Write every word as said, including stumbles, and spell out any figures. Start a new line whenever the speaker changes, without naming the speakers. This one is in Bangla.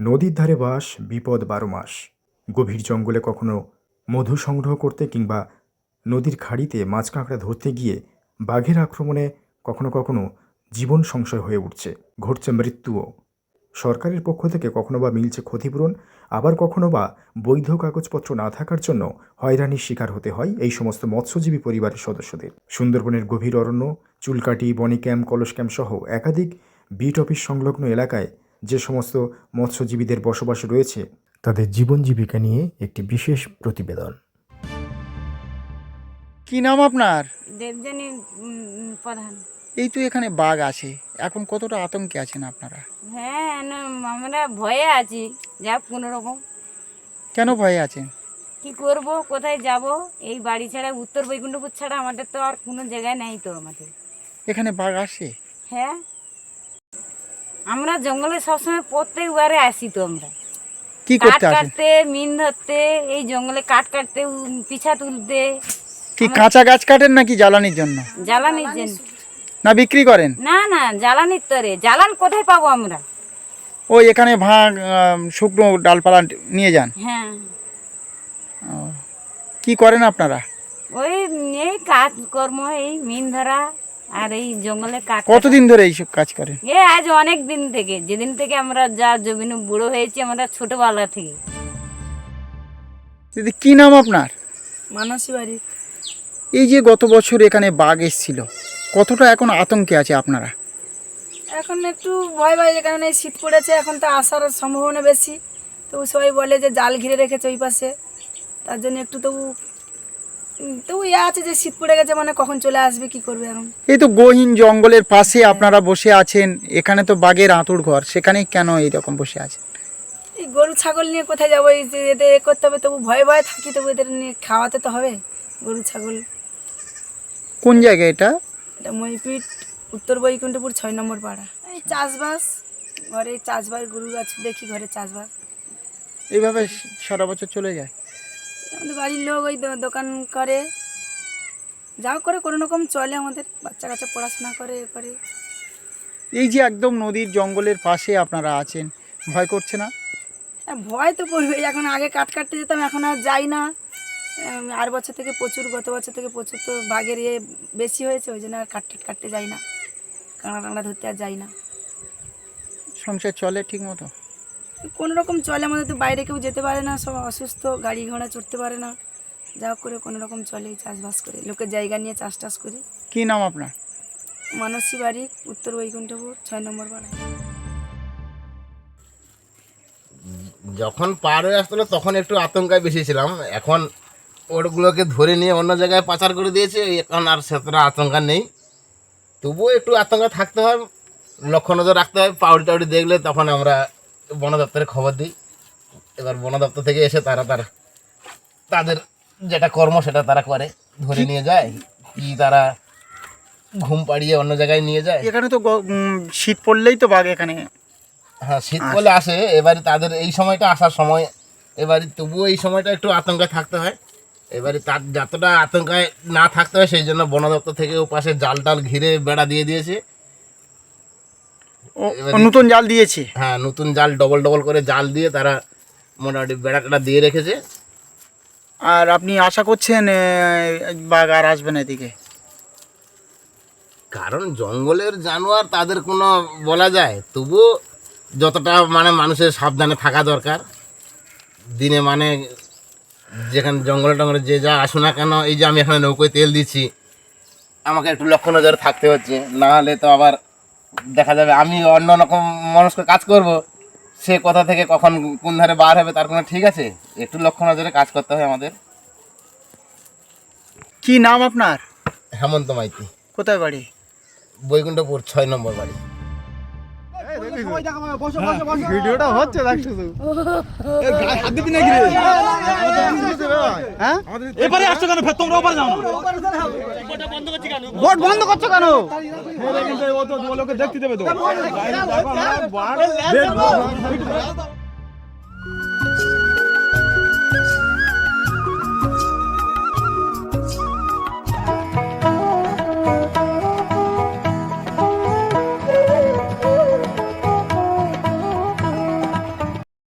নদীর ধারে বাস, বিপদ বারো মাস। গভীর জঙ্গলে কখনো মধু সংগ্রহ করতে কিংবা নদীর খাড়িতে মাছ কাঁকড়া ধরতে গিয়ে বাঘের আক্রমণে কখনো কখনো জীবন সংশয় হয়ে উঠছে, ঘটছে মৃত্যুও। সরকারের পক্ষ থেকে কখনো বা মিলছে ক্ষতিপূরণ, আবার কখনো বা বৈধ কাগজপত্র না থাকার জন্য হয়রানির শিকার হতে হয় এই সমস্ত মৎস্যজীবী পরিবারের সদস্যদের। সুন্দরবনের গভীর অরণ্য, চুলকাটি, বনি ক্যাম্প, কলস ক্যাম্প সহ একাধিক বিট অফিস সংলগ্ন এলাকায় যে সমস্ত মৎস্যজীবীদের বসবাস রয়েছে, তাদের জীবন জীবিকা নিয়ে একটি বিশেষ প্রতিবেদন।
কি নাম আপনার?
দেবযানী উম, প্রধান।
এই তো এখানে বাঘ আছে, এখন কতটা আতঙ্কে আছেন আপনারা?
হ্যাঁ, না, আমরা ভয়ে আছি, যা কোনো রকম।
কেন ভয়ে আছেন?
কি করব, কোথায় যাব? এই বাড়ি ছাড়া, উত্তর বৈকুণ্ঠপুর ছাড়া আমাদের তো আর কোনো জায়গায় নেই তো আমাদের।
এখানে বাঘ আসে?
হ্যাঁ, আমরা জঙ্গলে সবসময় প্রত্যেকবারে আসি তো। আমরা
কি
কাঠ
করতে আসেন?
কাটতে, মিন ধরতে, এই জঙ্গলে কাঠ কাটতে, উম, পিছা তুলতে।
কি কাঁচা গাছ কাটেন নাকি জ্বালানির জন্য?
জ্বালানির জন্য।
না বিক্রি করেন?
না না, জ্বালানির তরে। জ্বালান কোথায় পাবো আমরা?
ওই এখানে ভাগ আম, শুকনো ডালপালা নিয়ে যান?
হ্যাঁ।
ও, কি করেন আপনারা?
ওই এই কাজকর্ম, এই মিন ধরা আর এই জঙ্গলে কাঠ।
কতদিন ধরে এইসব কাজ করেন?
এ আজ অনেক দিন থেকে, যেদিন থেকে আমরা যা জমিনে বুড়ো হয়েছি, আমরা ছোটবেলা থেকে।
দিদি কি নাম আপনার?
মানসী বাড়ি।
এই যে গত বছর এখানে বাঘ এসেছিল, কতটা এখন আতঙ্কে আছে আপনারা?
এখন একটু ভয় ভয়, কারণ এই শীত পড়েছে, এখন তো আসার সম্ভাবনা বেশি। তো সবাই বলে যে জাল ঘিরে রেখেছে ওই পাশে, তার জন্য একটু তবু উম, তবু ইয়ে আছে যে শীত পড়ে গেছে, মানে কখন চলে আসবে, কি করবে এখন।
এই তো গহীন জঙ্গলের পাশে আপনারা বসে আছেন, এখানে তো বাঘের আঁতুড় ঘর, সেখানে কেন এইরকম বসে আছেন?
এই গরু ছাগল নিয়ে কোথায় যাবো? এই যে এদের এ করতে হবে, তবু ভয়ে ভয়ে থাকি, তবু এদের নিয়ে খাওয়াতে তো হবে গরু ছাগল।
কোন জায়গা এটা?
এটা মইপিট, উত্তর বৈকুণ্ঠপুর, ছয় নম্বর পাড়া। এই চাষবাস, ঘরে চাষবাস, গরু আছে দেখি, ঘরে চাষবাস।
এইভাবে সারা বছর চলে যায়?
আমাদের বাড়ির লোক ওই দো- দোকান করে, যাও করে কোনো রকম চলে, আমাদের বাচ্চা কাচ্চা পড়াশোনা করে, এ করে।
এই যে একদম নদীর জঙ্গলের পাশে আপনারা আছেন, ভয় করছে না?
হ্যাঁ, ভয় তো করবে। এখন আগে কাট কাটতে যেতাম, এখন আর যাই না। উম, আর বছর থেকে প্রচুর, গত বছর থেকে প্রচুর তো বাঘের ইয়ে বেশি হয়েছে, ওই জন্য আর কাট টাট কাটতে যাই না, কাঁকড়া টাংড়া ধরতে আর যাই না।
সংসার চলে ঠিক মতো?
কোনো রকম চলে, আমাদের তো বাইরে কেউ যেতে পারে না, সব অসুস্থ, গাড়ি ঘোড়া চড়তে পারে না। যা হোক করে কোনো রকম চলে, চাষবাস করে, লোকের জায়গা নিয়ে চাষ টাস করি।
কি নাম আপনার?
মানসী বাড়ি, উত্তর বৈকুণ্ঠপুর, ছয় নম্বর পাড়া।
যখন পার হয়ে আসতো তখন একটু আতঙ্কায় বেশি ছিলাম, এখন ওগুলোকে ধরে নিয়ে অন্য জায়গায় পাচার করে দিয়েছে, এখন আর সেতটা আতঙ্কা নেই। তবুও একটু আতঙ্কা থাকতে হয়, লক্ষ্য নজর রাখতে হয়। পাউডি টাউডি দেখলে তখন আমরা বন দপ্তরে খবর দিই। এবার বন দপ্তর থেকে এসে তারা তার তাদের যেটা কর্ম সেটা তারা করে, ধরে নিয়ে যায়, কি তারা ঘুম পাড়িয়ে অন্য জায়গায় নিয়ে যায়।
এখানে তো গ- উম, শীত পড়লেই তো বাঘ এখানে।
হ্যাঁ, শীত বলে আসে, এবারে তাদের এই সময়টা আসার সময়, এবারে তবুও এই সময়টা একটু আতঙ্কে থাকতে হয়। এবারে তার যতটা আতঙ্কায় না থাকতে হয় সেই জন্য বন দপ্তর থেকে ও পাশে জাল টাল ঘিরে বেড়া দিয়ে দিয়েছে।
ও,
এবারে-
ও নতুন জাল দিয়েছে?
হ্যাঁ, নতুন জাল ডবল ডবল করে জাল দিয়ে তারা মোটামুটি বেড়াটা দিয়ে রেখেছে।
আর আপনি আশা করছেন এ, বাঘ আর আসবে না এদিকে?
কারণ জঙ্গলের জানোয়ার, তাদের কোনো বলা যায়, তবুও যতটা মানে মানুষের সাবধানে থাকা দরকার। দিনে মানে যেখানে জঙ্গলে টঙ্গলে যে যা আসুন না কেন, এই যে আমি এখানে নৌকোয় তেল দিচ্ছি, আমাকে একটু লক্ষ্য নজরে থাকতে হচ্ছে, না হলে তো আবার দেখা যাবে আমি অন্য রকম মানুষকে কাজ করব, সে কোথা থেকে কখন কোন ধারে বার হবে তার কোনো ঠিক আছে। একটু লক্ষ্য নজরে কাজ করতে হয় আমাদের।
কি নাম আপনার?
হেমন্ত মাইতি,
কোথায় বাড়ি?
বৈকুণ্ঠপুর, ছয় নম্বর বাড়ি।
ভিডিওটা হচ্ছে দেখ শুধু। হ্যাঁ,
এবারে আসছো কেন? ফের তোমরা ওপারে যাও না।
ভোট বন্ধ করছো কেন?
ও তো লোকে দেখতে দেবে তো।